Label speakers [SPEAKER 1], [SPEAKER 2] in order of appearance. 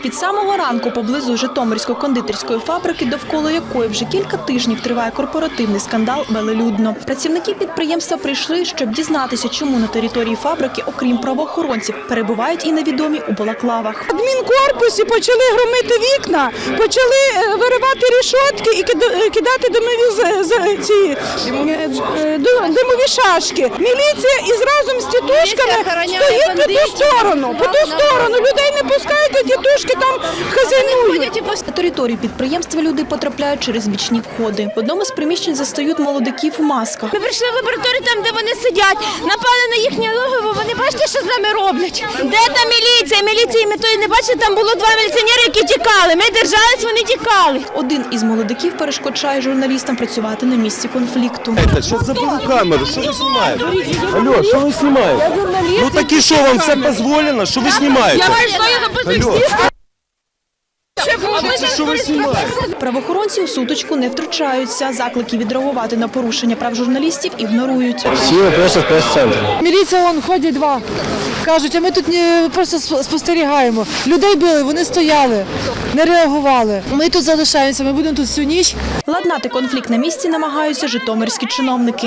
[SPEAKER 1] Від самого ранку поблизу Житомирської кондитерської фабрики, довкола якої вже кілька тижнів триває корпоративний скандал, велелюдно. Працівники підприємства прийшли, щоб дізнатися, чому на території фабрики, окрім правоохоронців, перебувають і невідомі у балаклавах.
[SPEAKER 2] В адмінкорпусі почали громити вікна, почали виривати рішотки і кидати димові шашки. Міліція із разом з тітушками стоїть по ту сторону. Людей не пускають, а тітушки там хазяйнують.
[SPEAKER 1] На територію підприємства люди потрапляють через бічні входи. В одному з приміщень застають молодиків у масках.
[SPEAKER 3] Ми прийшли в лабораторію, там, де вони сидять, напали на їхнє логово, вони бачите, що з нами роблять? Де та міліція? Міліції ми тої не бачили, там було 2 міліціонери, які тікали. Ми держались, вони тікали.
[SPEAKER 1] Один із молодиків перешкоджає журналістам працювати на місці конфлікту.
[SPEAKER 4] Що заберу камеру? Що ви знімаєте? Алло, що ви знімаєте? Ну так і що, вам все дозволено? Що ви знімаєте? Алло. Що ви знімаєте?
[SPEAKER 1] Правоохоронці у сутичку не втручаються. Заклики відреагувати на порушення прав журналістів ігнорують.
[SPEAKER 4] Всі просто в прес-центрі.
[SPEAKER 2] Міліція вон ходять 2. Кажуть, а ми тут просто спостерігаємо. Людей били, вони стояли, не реагували. Ми тут залишаємося, ми будемо тут всю ніч.
[SPEAKER 1] Ладнати конфлікт на місці намагаються житомирські чиновники.